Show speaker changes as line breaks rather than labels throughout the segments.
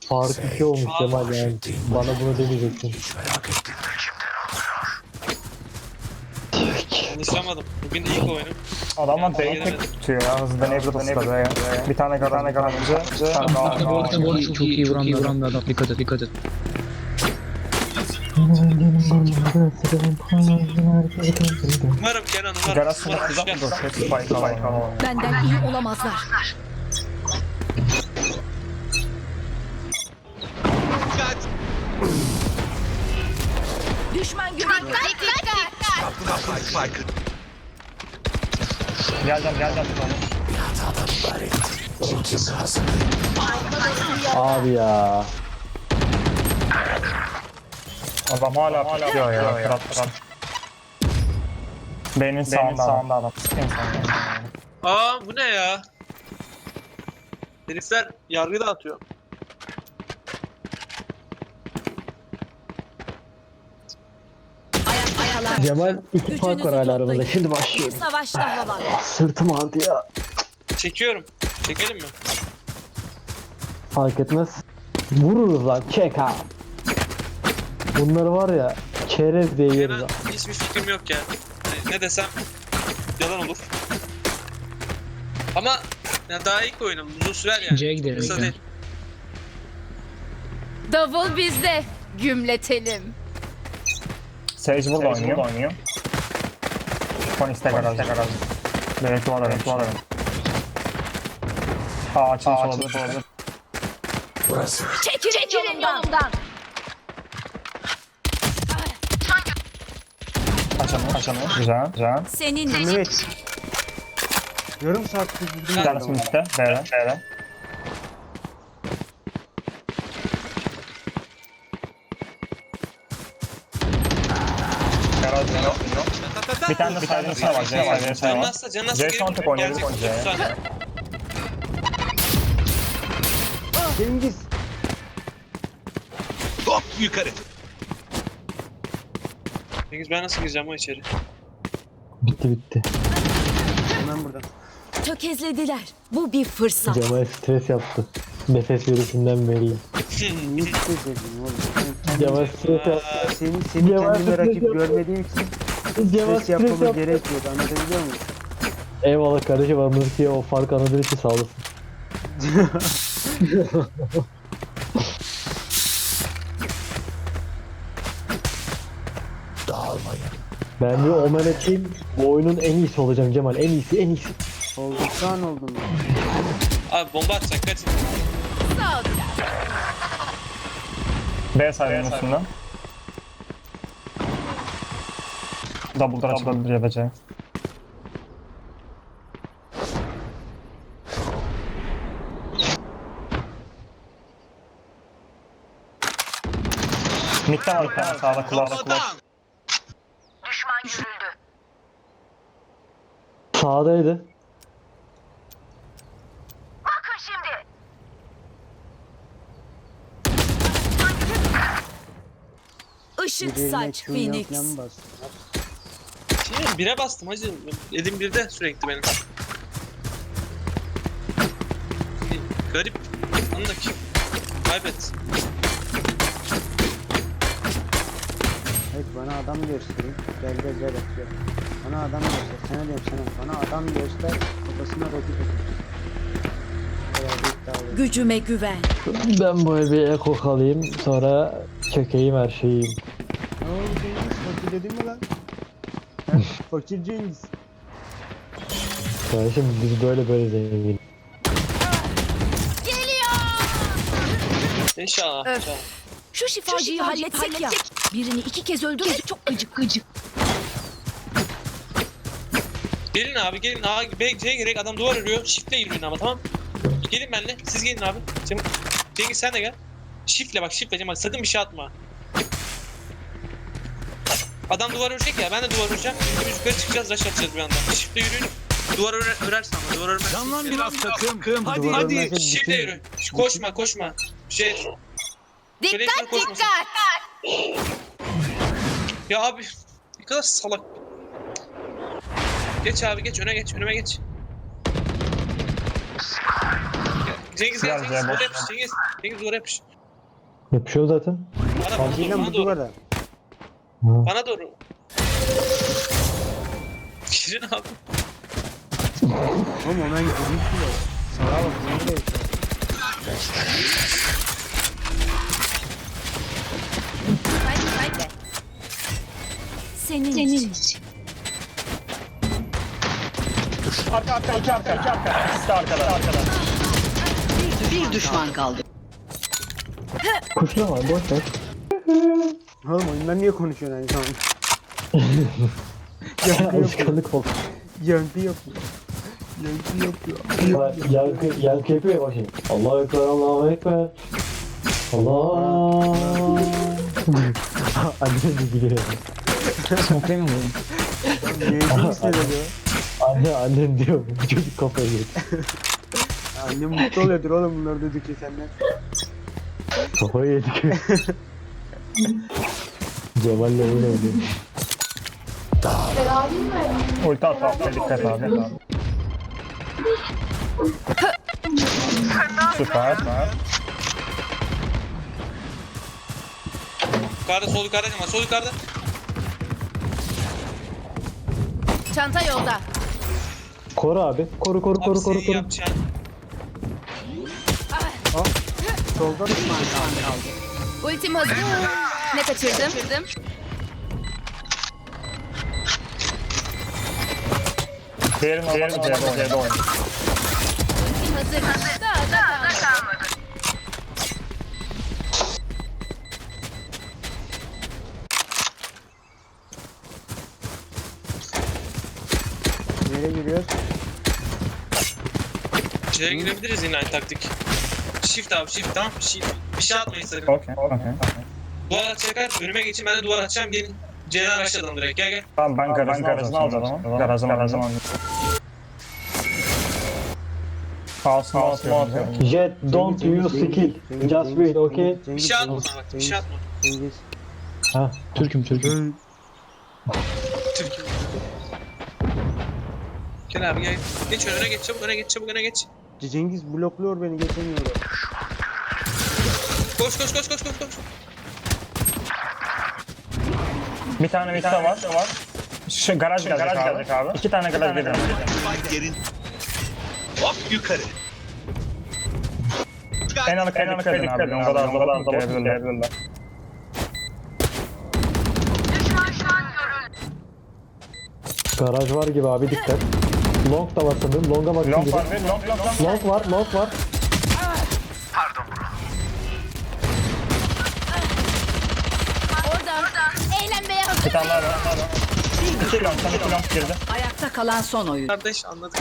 Fark 2 olmuş Cemal yani. Bana bunu demeyecektin.
Konuşamadım. Bugün ilk oyunum.
Adamlar B'yi tek tutuyor ya. Hızlıdan Ebru'da B'ye. Bir tane garajı.
Bu arada çok iyi vuran bir adam. Dikkat et, dikkat et.
Umarım Kenan umarım.
Garajı
Umarım
da
düşer.
dur. Hepsi Spike alalım.
Benden iyi olamazlar. Düşman görüldü.
Geleceğim.
Abi ya.
Adam hala tutuyor ya. Kırat. B'nin sağında adam. En sağında.
Aa bu ne ya? Herifler yargı dağıtıyor.
Ayakta kalan.
Cemal 2 fark var hala aramızda. Şimdi başlıyorum.
Savaşta hava.
Sırtım ağrıdı ya.
Çekiyorum. Çekelim mi?
Fark etmez. Vururuz lan. Çek ha. Bunları var ya. Çerez diye yeriz
Kenan
ha.
hiçbir fikrim yok ya. Ne desem yalan olur. Ama ya daha ilk oyunum. Uzun sürer yani.
C'ye gidelim.
Kısa değil.
Davul bizde. Gümletelim.
Sage burada oynuyor. Phoenix de garaj. Belki var arada. Açılmış olabilir.
Çekilin yolumdan.
Açamıyor. Güzel.
Senin
Evet. Yarım saattir
Bir tanesi üstte. B'de. Garaj yok. Bir tane de sadece var. C var.
Canasta
C son tek oynuyor.
Cengiz.
Hop yukarı.
Cengiz ben nasıl gireceğim o içeri?
Bitti.
Hemen burada.
tökezlediler. Bu bir fırsat.
Cemal stres yaptı. Nefes yürüyüşünden belli.
Ne istedin oğlum?
Cemal stres yaptı.
Seni
Cemal
kendime rakip
stres
görmediğim için
Cemal
stres yapmamı
yaptı.
gerekmiyordu. Anlatabiliyor muyum?
Eyvallah kardeşim, anladık ki o fark anladığın için sağ olasın. Ben bir omen edeyim. Bu oyunun en iyisi olacağım Cemal. En iyisi.
Olduktan oldum ya.
Abi bomba atacak kaçın.
B sayının üstünden. Double'dan açılabilir ya da C. Mid'den var bir tane sağda kulak.
Sağdaydı.
Işık
Birbirine
saç
Q'ya
Phoenix.
falan bastılar.
Şimdi bire bastım hacı. Elim birde sürekli benim. Garip. Anla ki. Kaybet.
Evet bana adam gösterin. Gel atıyor. Bana adam göster. Sana diyorum sana. Bana adam göster. Kafasına roket atıyor.
Gücüme güven.
Ben bu bir eko kalayım. Sonra çökeyim her şeyim.
Ne oldu Cengiz? Fakir dedin mi lan? Ha? Fakir Cengiz.
Kardeşim biz böyle zengin.
İnşallah.
Öf.
İnşallah.
Şu şifacıyı halletsek ya. Birini 2 kez öldürmek çok gıcık.
Gelin abi gelin. C'ye girek adam duvar örüyor. Shift'le yürüyün ama tamam. Gelin benimle. Siz gelin abi. Cengiz sen de gel. Shift'le bak shift'le Cemal. Sakın bir şey atma. Adam duvar örecek ya. Ben de duvar öreceğim. Biz yukarı çıkacağız. Rush atacağız bir anda. Shift'le yürüyün. Duvar örersen ama duvar örmez.
Canlan biraz takım. Hadi
Duvar
hadi.
örmezse
Shift'le
bütün-
yürü. Koşma. Şey.
Dikkat.
Ya abi. Ne kadar salak. Geç abi geç. Önüme geç. Cengiz gel.
Gel,
Cengiz
gel,
duvara
boş
yapış. Cengiz duvara yapış.
Yapışıyor zaten.
Acilen bu duvara.
Bana doğru. Girin abi.
Oğlum ona gideyim bile. Sağa bak nereye yaşıyor?
Senin için.
Arka. İkisi de arkada.
Bir düşman kaldı.
Kuşlama boş ver.
Oğlum oyundan niye konuşuyorsun aynı zamanda?
Alışkanlık oldu.
Yankı yapıyor.
Yankı yapıyor ya bakayım. Allahu Ekber, Allahu Ekber. Allah. Annem de gülüyor.
Smoke'layayım mı?
Neydi hissediyor?
Annem diyor bu çocuk kafayı yedi.
Annem mutlu oluyordur oğlum bunları duydukça senden.
Kafayı yedik. Cemal'le oyun oynuyor.
Ulti at. Dikkat abi. Süper.
Yukarıda sol yukarıda ama sol yukarıda.
Çanta yolda.
Koru abi. Koru.
Abi senin yapacağın.
Solda
Düşman kaldı.
Ultim hazır. Ne kaçırdım?
Diğerini C'de oynuyor.
Ultim hazır. Da kalmadı.
nereye giriyoruz?
C'ye girebiliriz yine aynı taktik. Shift abi shift tamam. Shift. Bir şey atmayın sakın.
Okey.
Duvar atacaklar. Önüme geçin ben de duvar atacağım. Gelin. C'den aşağıdan direkt gel.
Tamam ben garajını alacağım. Garajını alacağım. Kaosunu atıyorum.
Jet, don't use skill. Just wait, okay?
Bir şey atma sana bak. Bir şey atma.
Cengiz.
Ha.
Türk'üm.
Türkiye. Gel abi gel. Geç öne geç çabuk öne geç.
Cengiz blokluyor beni geçemiyorum.
Koş.
Bir tane var. Şu garaj gelecek abi. 2 tane garaj gelecek.
Spike yerin. Hop yukarı.
En anlık dikkat edin abi. O kadar da gelebilirler.
Garaj var gibi abi dikkat. Long da var sanırım. Long'a bakın
Long
gibi.
var.
Long var.
Oradan. Eğlenmeye hazır.
Bir tane daha var. 2 long girdi.
Ayakta kalan son oyun.
Kardeş anladık.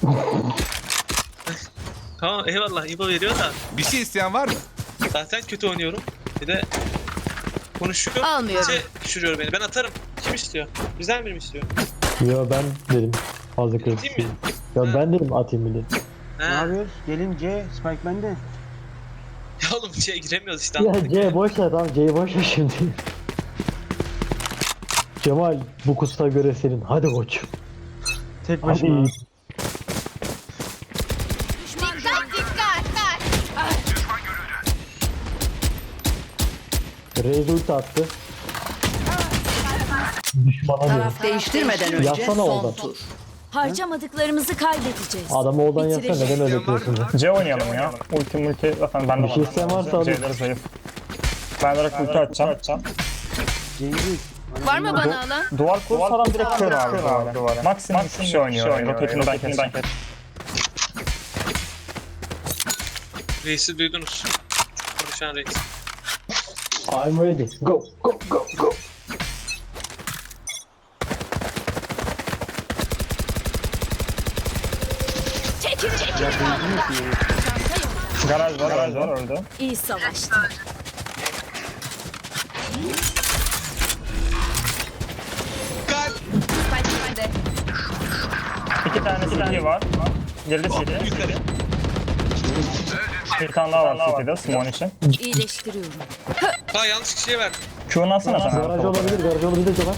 Tamam eyvallah İbo veriyor da
Bir şey isteyen var mı?
zaten kötü oynuyorum. Bir de konuşuyor.
Almıyorum.
Düşürüyor beni. Ben atarım. Kim istiyor? Bizden biri mi istiyor?
Yo ben dedim. Fazla kritik
Atayım
değil.
mı?
Ya ben dedim atayım bir de.
Ne
He.
yapıyoruz? Gelin C, Spike bende.
Ya oğlum şeye giremiyoruz işte.
Ya
anladık.
C boş ver tamam C'yi boş ver şimdi. Cemal bu kusta göre senin. Hadi koç.
Tek
Hadi.
başıma. Düşman
Reis attı. Düşmana diyorum.
Taraf değiştirmeden önce
Yatsana
son
oradan.
tur.
Harcamadıklarımızı kaybedeceğiz.
Adamı oradan yapsa neden öyle yapıyorsun?
C oynayalım ya. Ulti zaten bende var.
Bir şey isteyen varsa alın.
C'leri zayıf. Ben direkt ulti atacağım.
Cengiz.
Var mı bana alan?
Duvar kursadan direkt kör abi duvara. Maksimum 3 kişi oynuyor. Roketini ben keseceğim.
Reis'i duydunuz. Konuşan reis.
I'm ready. Go.
Çekil.
Garaj var öldü.
İyi savaştın. Spike
2 tane CT var. Girdi CT.
Yukarı.
Bir tane daha var CT'de Simon için.
İyileştiriyorum.
Ha yanlış kişiye verdim.
Q'nu atsana sen.
Garaj olabilir Cemal.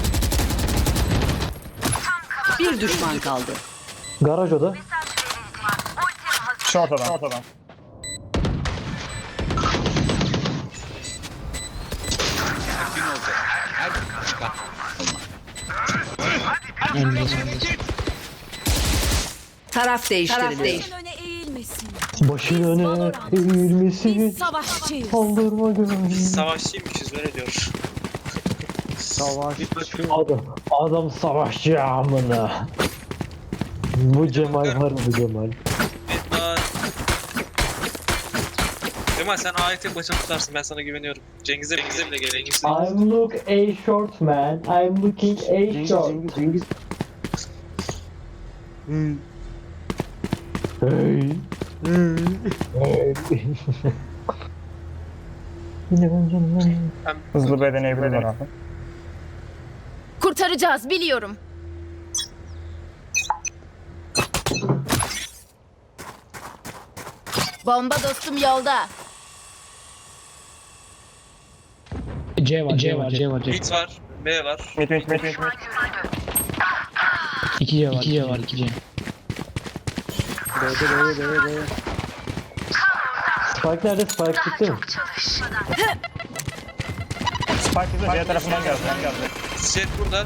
Bir düşman kaldı.
Garaj oda.
Şu ortadan.
çıkar.
Taraf değiştiriliyor.
Başın öne eğilmesin.
Başın öne eğilmesin.
Biz savaşçıyız.
Kaldırma gönlünü.
Biz savaşçıymışız öyle diyor.
Savaşçı.
Adam savaşçı amına. Bu Cemal var mı Cemal?
Kemal sen ayet başını tutarsın, ben sana güveniyorum. Cengiz'e bile gel. Cengiz'e.
I'm look a short man. I'm looking a
Cengiz
short.
Cengiz. Hı.
Hey. Hey. Yine ben canım.
Hızlı B deneyebilirler abi.
Kurtaracağız biliyorum. Bomba dostum yolda.
C var.
Mid var, B var.
Mid.
2 C var. 2 C.
B'de.
Spike nerede? Spike gitti mi?
Spike bize C tarafından geldi.
Jet burada.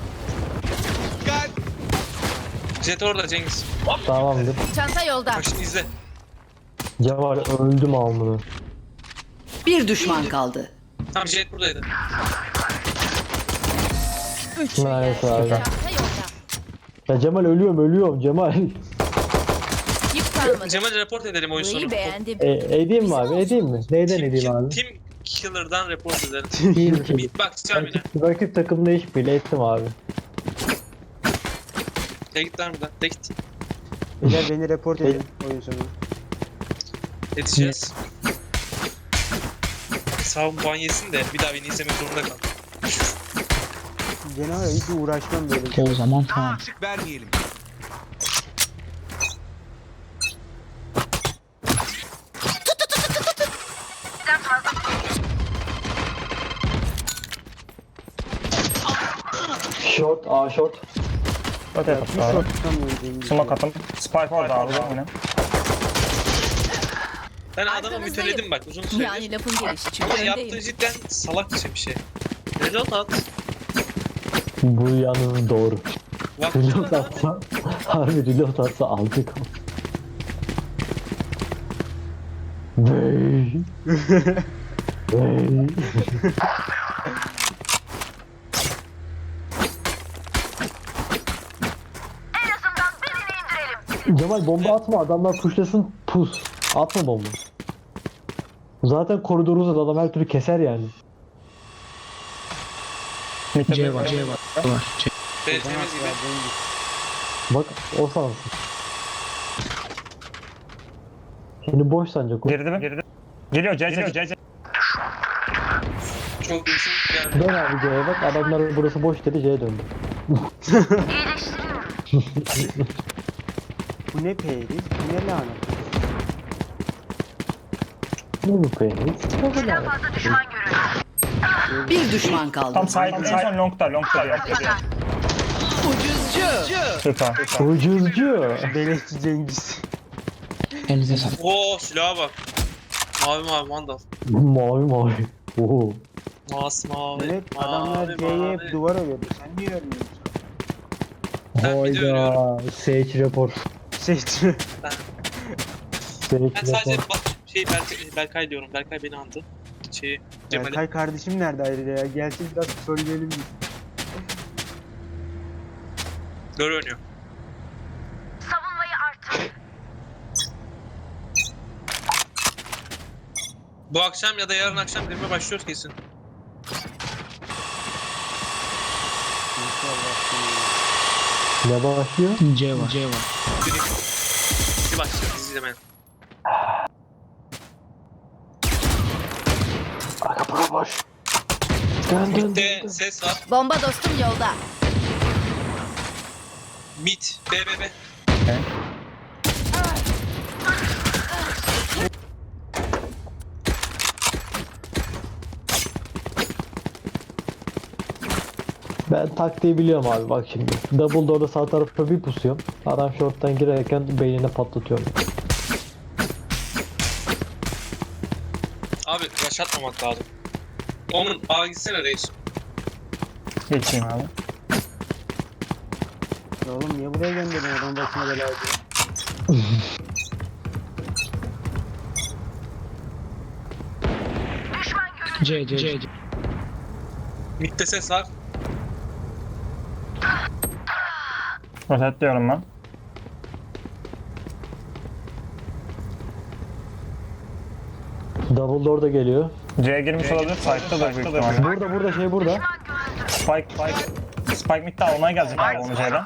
Jet orada Cengiz.
Tamamdır.
Çanta yolda.
Bak şimdi izle.
Cemal öldüm amına.
Bir düşman kaldı.
Tamam Jet buradaydı.
Nice abi.
Çanta yolda.
Ya Cemal ölüyorum Cemal.
Yük kalmadı.
Cemal'i report edelim oyun sonu.
Burayı beğendim.
Edeyim mi abi? Edeyim mi? Neyden edeyim abi?
Team Killer'dan report edelim.
Team Kill.
Mid bak sen yine.
Rakip takımda iş bile ettim abi.
De git lan buradan. De git.
Beyler beni report edin oyun sonu.
Edeceğiz. Sağım puan yesin de bir daha beni izlemek zorunda kal.
Gene var ya hiç uğraşmam böyle.
O zaman tamam.
Açık vermeyelim.
Short, A short.
Öte
Bir
yapalım abi.
short tutamıyorum Cengiz.
Smoke atın. Spike orada abi yine.
Ben adamı
Arkanızdayım.
müteledim bak uzun süredir.
Yani lafın gelişi çünkü
Ama
öndeyim.
yaptığı cidden salakça bir şey. Reload at.
Bu yalnız doğru.
Bak
Reload atsa, harbi reload atsa aldık. Bey. Bey. Cemal bomba atma, adamlar pushlasın, pus. Atma bomba. Zaten koridoru uzadı, adam her türlü keser yani.
C var. C.
B temiz gibi.
Bak o sansın. Şimdi boş sanacak o.
Geride. Geliyor C.
Çok iyisin. Yani
Dön abi C'ye bak, adamlar burası boş dedi, C'ye döndü.
Bu ne peyriz? Bu ne lanet?
Ne bu peynir?
Bir düşman kaldı.
Tam sahip en son longta.
Ucuzcu.
Süper.
Ucuzcu.
Beleşçi Cengiz.
Elinize sağlık.
Oo silaha bak. Mavi mandal.
Mavi. Oo.
Mavi.
Evet adamlar C'ye hep duvar örüyordu. Sen niye örmüyorsun?
Ben bir de ölüyorum.
Sage report.
Seçti.
Sage
Ben sadece
report.
Berkay diyorum. Berkay beni andı. Cemal'i.
Berkay kardeşim nerede ayrıca ya? Gelsin biraz söyleyelim biz.
Gör oynuyor. Bu akşam ya da yarın akşam filme başlıyoruz kesin.
Ne başlıyor?
C var.
Bir başlıyoruz izlemeye.
Arka para boş. Dön.
Mid'de ses var.
Bomba dostum yolda.
Mid. B.
Ben taktiği biliyorum abi, bak şimdi. Double door'da sağ tarafa bir pusuyorum. Adam short'tan girerken beynine patlatıyorum.
Abi rush atmamak lazım. Onun A gitsene reis.
Geçeyim abi.
Ya oğlum niye buraya gönderdin adam başına bela ediyor.
C.
Mid'de ses var.
Rosetliyorum ben.
Double door da geliyor.
C'ye girmiş olabilir. Spike'da da büyük ihtimalle.
Burada şey burada.
Spike mid'de almaya gelecek abi onu C'den.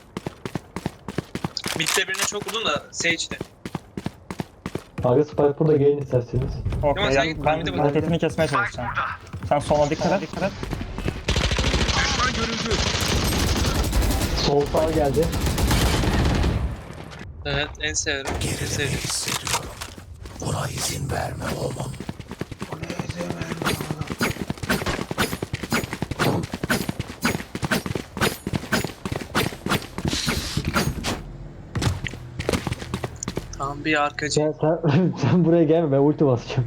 Mid'de birine çok vurdun da Sage'de.
Aga Spike burada gelin isterseniz.
Okey,
sen
ya
git,
ben
bir de burada.
hareketini kesmeye çalışacağım. Sen sola dikkat et.
Sol sağ geldi.
Evet en severim. En sevdiğim. Tamam bir arkacı.
Sen buraya gelme ben ulti basacağım.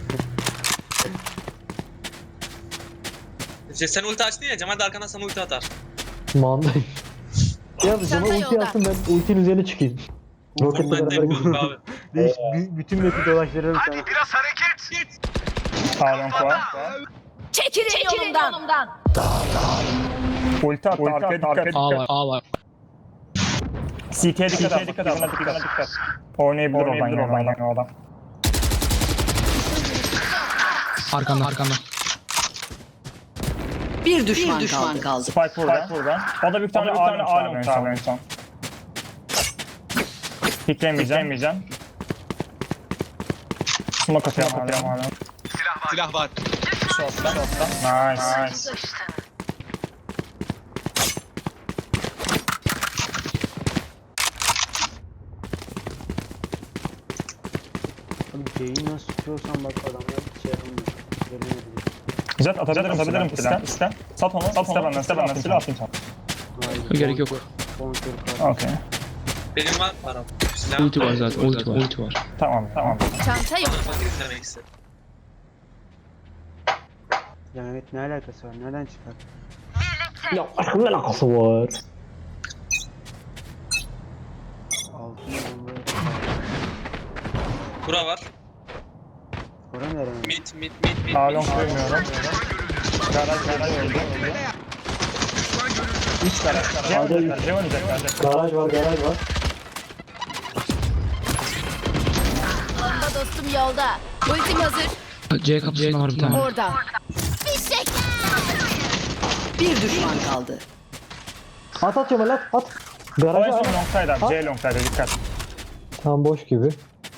Sen ulti açtın ya Cemal de arkandan sana ulti atar.
Manda. Ya Cemal
Çanta
ulti
yolda.
yapsın ben ultinin üzerine çıkayım. Roketle
Ben de
beraber
yapıyorduk abi.
Bütün map'i dolaştırırım sana.
Biraz hareket.
Sağdan koa.
Çekilin yolumdan.
Ulti attı arkaya dikkat.
A var.
CT'ye dikkat et. Dikkat. Oynayabilir oradan ya o adam.
Arkanda.
Bir düşman kaldı.
Spike burada. O da bir tane alem en son. Piklemeyeceğim. Smoke atıyorum hala.
Silah var.
Nice.
Abi C'yi nasıl tutuyorsan bak adamlar hiç şey yapamıyor. Gelemedi.
Jet atabilirim iste. Sat onu benden silah atayım sana.
Hayır.
Gerek yok.
Bonkör kar.
Okey.
Benim var param. Silah
Ulti var zaten. Ulti var.
Tamam.
Çanta yok.
Fakir demek istedim.
Ya evet ne alakası var? Nereden çıkar?
Ya aşkım ne alakası var?
Altın bomba.
Bura var.
Kora nereye?
Mid.
Alon koymuyorum. Garaj öldü. 3 garaj. C oynayacaklar.
Garaj var.
Bomba dostum yolda. Ultim hazır.
C kapısında var bir tane.
Orada. Fişek.
Bir düşman kaldı.
At Cemal at.
O en
Garaja
son
at.
longside abi. C longside dikkat.
Tam boş gibi.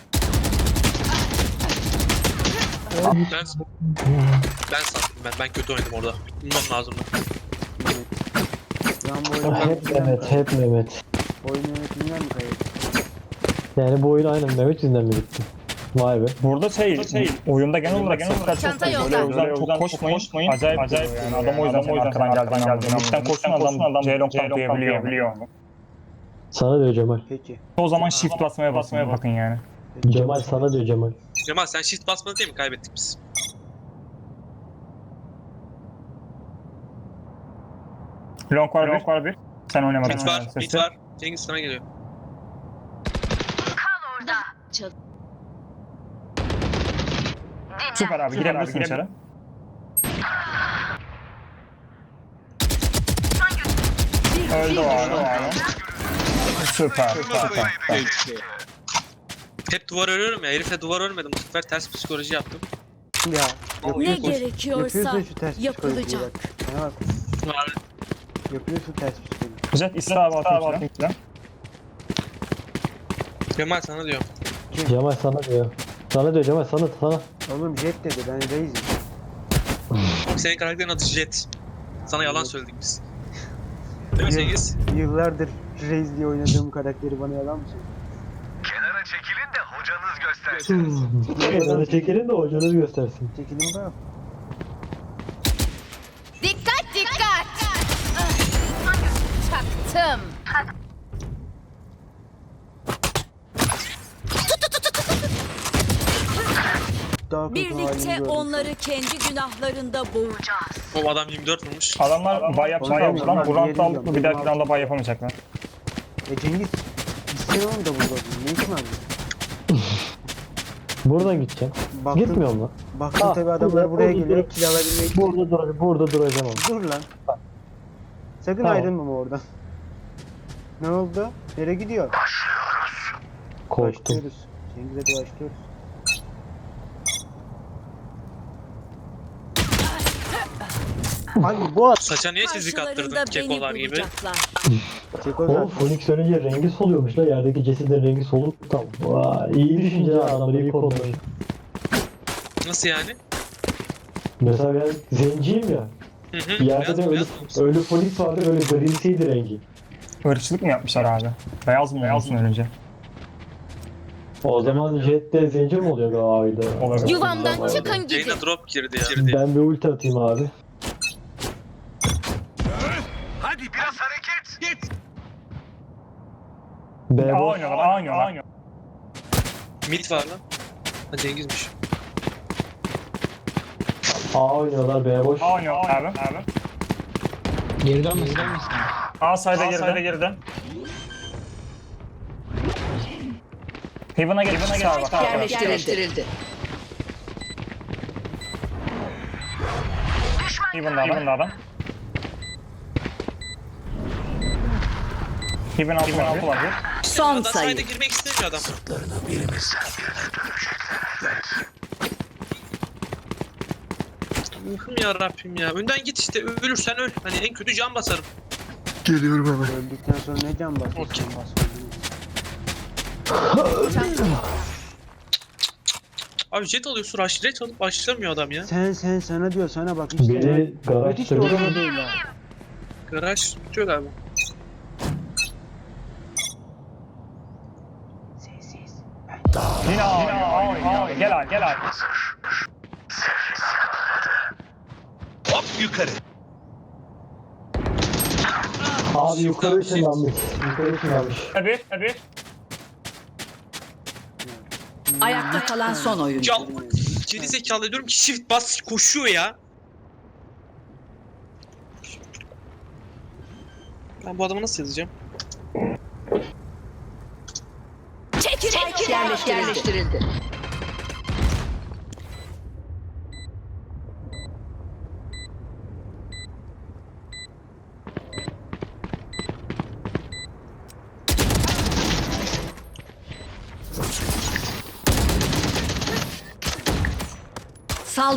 Ben sattım ben kötü oynadım orada. Bulmam lazım.
Şu an bu oyunu
Hep Mehmet.
oyunu yönetiminden mi kayıp?
Yani bu oyun aynen Mehmet yüzünden mi bitti? Vay be.
Burada oyunda genel olarak çok
Çanta
böyle
yolda.
o yüzden çok koşmayın. Acayip yani adam o yüzden arkadan geldiğini. Mid'den koşsun adam C long tanklayabiliyor.
Sana diyor Cemal.
Peki.
O zaman shift basmaya bakın yani.
Cemal sana diyor Cemal.
Cemal sen shift basmadın değil mi? Kaybettik biz.
Long var bir. Sen oynamadın.
Mid var. Cengiz sana geliyor.
Süper abi girebilirsin içeri. Öldü o abi. Süper.
Hep duvar örüyorum ya. Herifle duvar örmedim. Bu sefer ters psikoloji yaptım.
Ya.
Ne
Yapıyorsun
gerekiyorsa
şu ters
yapılacak.
psikolojiyi bak. Bana bak.
Var.
Yapıyorsun ters psikoloji.
Jet iste abi atayım size.
Cemal sana diyorum.
Cemal sana diyor. Sana diyor Cemal sana.
Oğlum jet dedi ben reisim.
Senin karakterin adı Jet. Sana yalan söyledik biz. Değil mi Cengiz?
Yıllardır reis diye oynadığım karakteri bana yalan mı söylüyor?
Kenara çekilin de hocanız göstersin.
Sana çekelim de hocanız göstersin.
Çekilin bak.
Dikkat. Çaktım.
daha kötü halini
Birlikte
gördüm.
onları kendi günahlarında boğacağız.
O adam 24 vurmuş.
Adamlar bay yapacaklar lan. Bu roundda alıp bir dahaki roundda bay yapamayacaklar.
Cengiz. Gitsene oğlum da burada. Ne için abi?
Buradan gideceğim.
Baktın,
Gitmiyorum lan.
baktın
Ah,
tabi adamlar
burada,
buraya
burada,
geliyor. Kill alabilmek için.
Burada duracağım ama.
Dur lan. Sakın
Tamam.
ayrılma oradan. Ne oldu? Nereye gidiyor?
Korktum.
Başlıyoruz. Cengiz'e de başlıyoruz. Abi bu at.
Saça niye çizik attırdın
Karşılarında beni
kekolar gibi?
bulacaklar.
Ceko
Oğlum
zaten.
Phoenix ölünce rengi soluyormuş la, yerdeki cesedin rengi soluk tam. Vay, iyi düşünce adamları iyi kodlamış.
Nasıl yani?
Mesela ben zenciyim ya.
Hı hı.
Bir yerde
Beyaz
de
mı,
ölü,
beyaz mı?
ölü Phoenix vardı, böyle grimsiydi rengi.
Irkçılık mı yapmışlar abi? Beyaz mı olsun önce?
O zaman Jet de zenci mi oluyor galiba?
Olabilir.
Yuvamdan çıkın gidin.
Yayına drop girdi ya.
Ben bir ulti atayım abi.
Hadi biraz hareket. Git.
B
A
boş.
oynuyorlar, A oynuyorlar.
Mid var lan. Ha Cengiz'miş.
A oynuyorlar, B boş.
A oynuyor abi.
Geri dönmesin.
A sayda geride. Heaven'a geç abi bak.
Yerleştirildi.
Heaven'da adam. Heaven altı var.
Son
Adam
sayı.
sayda girmek istemiyor adam. Ruhum ya Rabbim ya. Önden git işte, ölürsen öl. Hani en kötü can basarım.
Öldükten sonra ne can basıyorsun?
Okey. Abi jet alıyorsun, rush jet alıp başlamıyor adam ya.
Sen sana diyor sana bak işte.
Beni garaj
Hiç de
sürüyor.
orada değil ha.
Garaj tutuyor galiba.
Sessiz.
Yine A oynuyor. Gel abi.
Hop yukarı.
Abi yukarı ışınlanmış.
Tabii.
Ayakta kalan son oyuncu.
Ya geri zekalı diyorum ki shift bas koşuyor ya. Ben bu adamı nasıl yazacağım?
Çekilin.
Yerleştirildi.